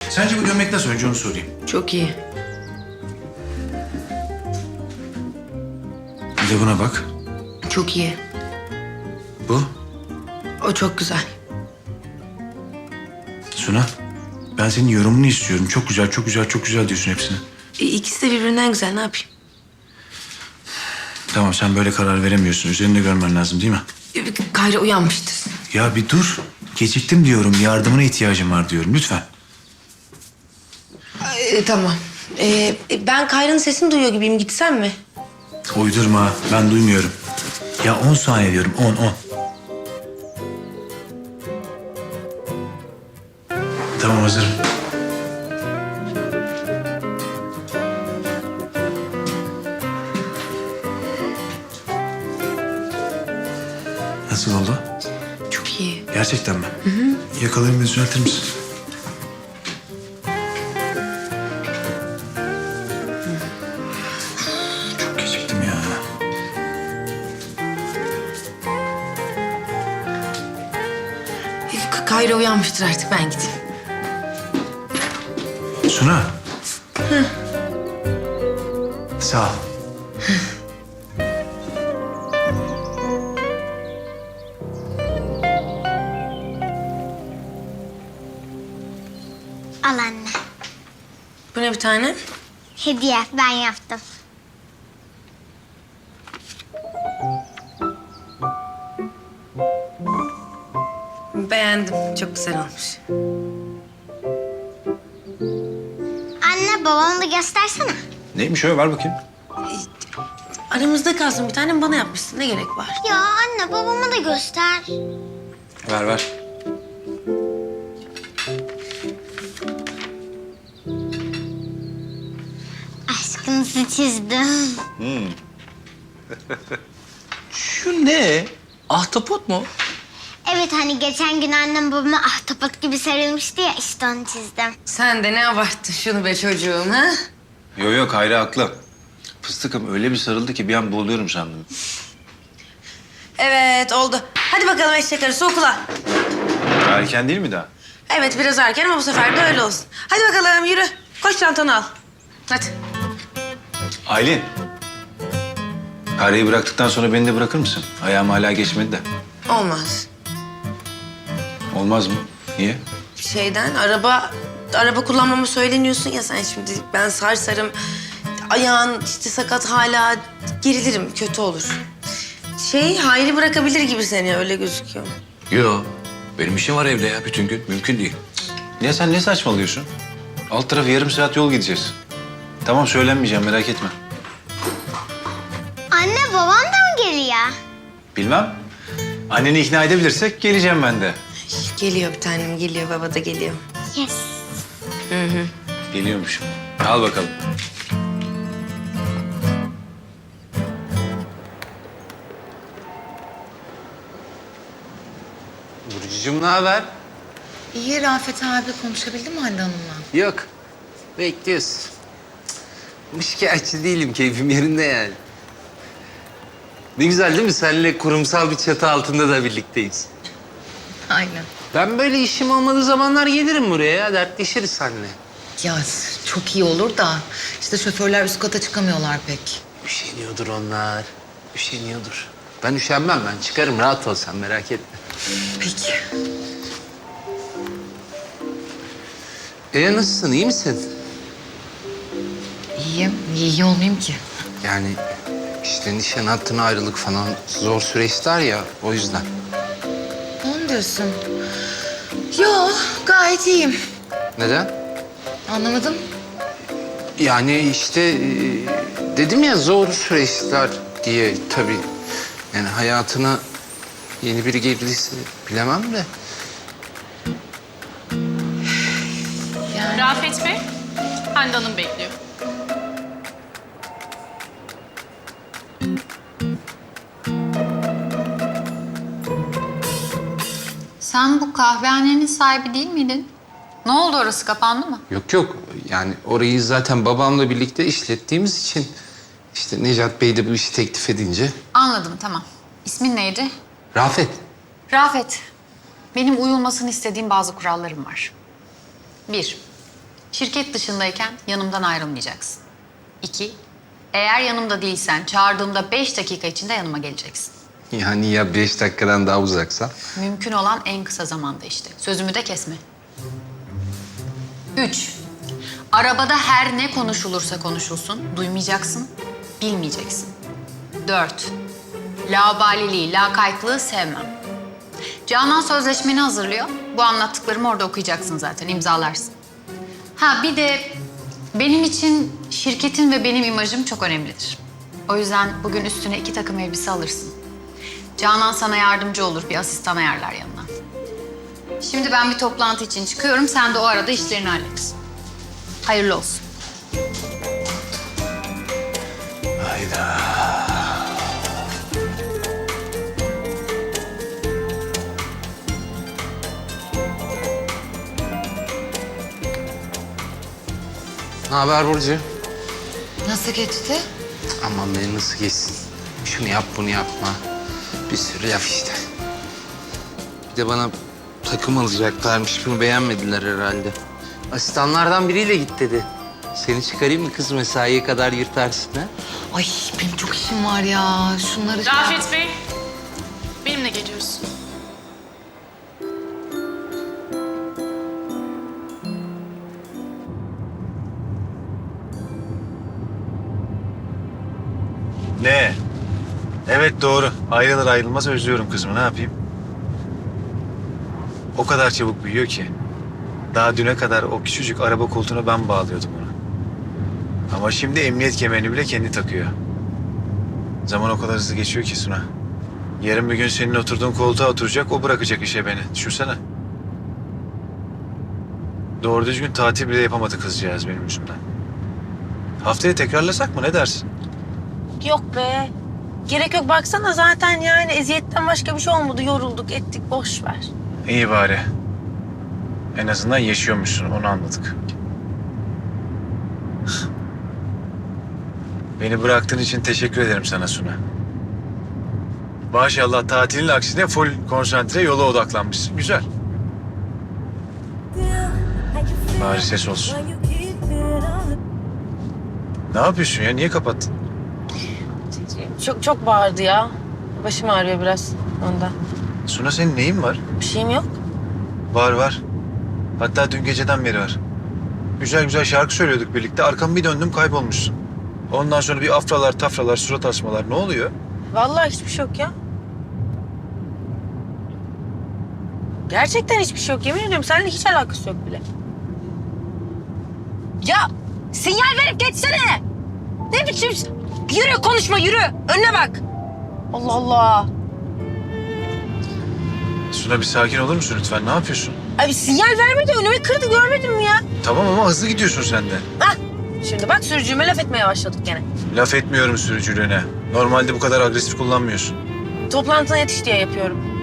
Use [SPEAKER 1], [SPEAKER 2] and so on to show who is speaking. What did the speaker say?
[SPEAKER 1] Sence bu gömlek nasıl? Önce onu sorayım.
[SPEAKER 2] Çok iyi.
[SPEAKER 1] Bir de buna bak.
[SPEAKER 2] Çok iyi.
[SPEAKER 1] Bu.
[SPEAKER 2] O çok güzel.
[SPEAKER 1] Suna. Ben senin yorumunu istiyorum. Çok güzel, çok güzel, çok güzel diyorsun hepsine.
[SPEAKER 2] İkisi de birbirinden güzel. Ne yapayım?
[SPEAKER 1] Tamam, sen böyle karar veremiyorsun. Üzerinde görmen lazım değil mi?
[SPEAKER 2] Kayra uyanmıştır.
[SPEAKER 1] Ya bir dur. Geciktim diyorum. Yardımına ihtiyacım var diyorum. Lütfen.
[SPEAKER 2] Tamam. Ben Kayra'nın sesini duyuyor gibiyim. Gitsem mi?
[SPEAKER 1] Uydurma. Ben duymuyorum. Ya 10 saniye diyorum. 10, 10. Tamam, hazırım. Nasıl oldu?
[SPEAKER 2] Çok iyi.
[SPEAKER 1] Gerçekten mi? Hı hı. Yakalarımı düzeltir misin? Çok geciktim ya.
[SPEAKER 2] Kayra uyanmıştır artık. Ben gideyim.
[SPEAKER 1] Suna. Sağ ol.
[SPEAKER 3] Al anne.
[SPEAKER 2] Bu ne bir tane?
[SPEAKER 3] Hediye ben yaptım.
[SPEAKER 2] Beğendim. Çok güzel olmuş.
[SPEAKER 3] Anne babamı da göstersene.
[SPEAKER 1] Neymiş o? Ver bakayım.
[SPEAKER 2] Aramızda kalsın. Bir tane bana yapmışsın. Ne gerek var?
[SPEAKER 3] Ya anne babama da göster.
[SPEAKER 1] Ver, ver.
[SPEAKER 3] Aşkınızı çizdim.
[SPEAKER 4] Şu ne? Ahtapot mu?
[SPEAKER 3] Evet hani geçen gün annem babama ahtapot gibi sarılmıştı ya işte onu çizdim.
[SPEAKER 2] Sen de ne abarttın şunu be çocuğum ha?
[SPEAKER 5] Yok yok, Hayri haklı. Fıstıkım öyle bir sarıldı ki bir an boğuluyorum sandım.
[SPEAKER 2] Evet oldu. Hadi bakalım eşek arısı okula.
[SPEAKER 5] Erken değil mi daha?
[SPEAKER 2] Evet biraz erken ama bu sefer de öyle olsun. Hadi bakalım yürü. Koş çantanı al. Hadi.
[SPEAKER 5] Aylin. Hayrı'yı bıraktıktan sonra beni de bırakır mısın? Ayağım hala geçmedi de.
[SPEAKER 2] Olmaz.
[SPEAKER 5] Olmaz mı? Niye?
[SPEAKER 2] Araba kullanmamı söyleniyorsun ya sen şimdi. Ben sarsarım. Ayağın işte sakat hala gerilirim. Kötü olur. Hayri bırakabilir gibi seni öyle gözüküyor.
[SPEAKER 4] Yo. Benim işim var evde ya bütün gün. Mümkün değil.
[SPEAKER 5] Ya sen ne saçmalıyorsun? Alt tarafı yarım saat yol gideceğiz. Tamam, söylenmeyeceğim, merak etme.
[SPEAKER 3] Anne babam da mı geliyor?
[SPEAKER 5] Bilmem. Anneni ikna edebilirsek geleceğim ben de.
[SPEAKER 2] Geliyor bir tanem geliyor. Baba da geliyor.
[SPEAKER 3] Yes.
[SPEAKER 5] Geliyormuşum. Al bakalım.
[SPEAKER 4] Burcucuğum ne haber?
[SPEAKER 6] İyi Rafet abi konuşabildin mi Hande Hanım'la?
[SPEAKER 4] Yok. Bekliyoruz. Şikayetçi değilim. Keyfim yerinde yani. Ne güzel değil mi? Seninle kurumsal bir çatı altında da birlikteyiz.
[SPEAKER 6] Aynen.
[SPEAKER 4] Ben böyle işim olmadığı zamanlar gelirim buraya ya. Dertleşiriz seninle.
[SPEAKER 6] Ya çok iyi olur da işte şoförler üst kata çıkamıyorlar pek.
[SPEAKER 4] Üşeniyordur onlar. Üşeniyordur. Ben üşenmem. Ben çıkarım. Rahat ol sen. Merak etme.
[SPEAKER 6] Peki.
[SPEAKER 4] Nasılsın? İyi misin?
[SPEAKER 6] İyiyim. Niye iyi olmayayım ki?
[SPEAKER 4] Yani işte nişan hattına ayrılık falan zor süreçler ya. O yüzden.
[SPEAKER 6] Onu diyorsun. Yo gayet iyiyim.
[SPEAKER 4] Neden?
[SPEAKER 6] Anlamadım.
[SPEAKER 4] Yani işte dedim ya zor süreçler diye tabii. Yani hayatına yeni biri girdiyse bilemem de.
[SPEAKER 7] Rafet Bey, Hande Hanım bekliyor.
[SPEAKER 8] Sen bu kahvehanenin sahibi değil miydin? Ne oldu orası kapandı mı?
[SPEAKER 4] Yok yok yani orayı zaten babamla birlikte işlettiğimiz için işte Necat Bey de bu işi teklif edince.
[SPEAKER 8] Anladım tamam. İsmin neydi?
[SPEAKER 4] Rafet.
[SPEAKER 8] Rafet. Benim uyulmasını istediğim bazı kurallarım var. 1. şirket dışındayken yanımdan ayrılmayacaksın. 2, eğer yanımda değilsen çağırdığımda 5 dakika içinde yanıma geleceksin.
[SPEAKER 4] Yani ya 5 dakikadan daha uzaksa?
[SPEAKER 8] Mümkün olan en kısa zamanda işte. Sözümü de kesme. 3, arabada her ne konuşulursa konuşulsun, duymayacaksın, bilmeyeceksin. 4, laubaliliği, lakaytlığı sevmem. Canan sözleşmeni hazırlıyor. Bu anlattıklarımı orada okuyacaksın zaten, imzalarsın. Ha bir de benim için şirketin ve benim imajım çok önemlidir. O yüzden bugün üstüne 2 takım elbise alırsın. Canan sana yardımcı olur, bir asistan ayarlar yanına. Şimdi ben bir toplantı için çıkıyorum, sen de o arada işlerini hallet. Hayırlı olsun.
[SPEAKER 1] Hayda.
[SPEAKER 4] Ne haber Burcu?
[SPEAKER 6] Nasıl geçti?
[SPEAKER 4] Aman beni nasıl geçsin? Şunu yap, bunu yapma. Bir sürü laf işte. Bir de bana takım alacaklarmış. Bunu beğenmediler herhalde. Asistanlardan biriyle git dedi. Seni çıkarayım mı kız, mesaiye kadar yırtarsın ha?
[SPEAKER 6] Ay benim çok işim var ya. Şunları...
[SPEAKER 7] Rafet Bey, benimle geliyorsun.
[SPEAKER 1] Ne? Evet doğru. Ayrılır ayrılmaz özlüyorum kızımı. Ne yapayım? O kadar çabuk büyüyor ki. Daha düne kadar o küçücük araba koltuğuna ben bağlıyordum onu. Ama şimdi emniyet kemerini bile kendi takıyor. Zaman o kadar hızlı geçiyor ki Suna. Yarın bir gün senin oturduğun koltuğa oturacak, o bırakacak işe beni. Düşünsene. Doğru düzgün tatil bile yapamadı kızcağız benim yüzümden. Haftaya tekrarlasak mı? Ne dersin?
[SPEAKER 2] Yok be. Gerek yok, baksana zaten yani eziyetten başka bir şey olmadı. Yorulduk ettik, boş ver.
[SPEAKER 1] İyi bari. En azından yaşıyormuşsun, onu anladık. Beni bıraktığın için teşekkür ederim sana Suna. Maşallah tatilin aksine full konsantre, yola odaklanmışsın. Güzel. Bari ses olsun. Ne yapıyorsun ya? Niye kapattın?
[SPEAKER 2] Çok bağırdı ya. Başım ağrıyor biraz ondan.
[SPEAKER 1] Suna senin neyin var?
[SPEAKER 2] Bir şeyim yok.
[SPEAKER 1] Var. Hatta dün geceden beri var. Güzel güzel şarkı söylüyorduk birlikte. Arkamı bir döndüm, kaybolmuşsun. Ondan sonra bir afralar, tafralar, surat asmalar. Ne oluyor?
[SPEAKER 2] Vallahi hiçbir şey yok ya. Gerçekten hiçbir şey yok. Yemin ediyorum seninle hiç alakası yok bile. Ya sinyal verip geçsene. Ne biçim... Yürü, konuşma, yürü. Önüne bak. Allah Allah.
[SPEAKER 1] Suna bir sakin olur musun lütfen? Ne yapıyorsun?
[SPEAKER 2] Abi sinyal vermedi, önüme kırdı, görmedin mi ya?
[SPEAKER 1] Tamam ama hızlı gidiyorsun sen de.
[SPEAKER 2] Hah. Şimdi bak sürücüme laf etmeye başladık gene.
[SPEAKER 1] Laf etmiyorum sürücülüğüne. Normalde bu kadar agresif kullanmıyorsun.
[SPEAKER 2] Toplantına yetiş diye yapıyorum.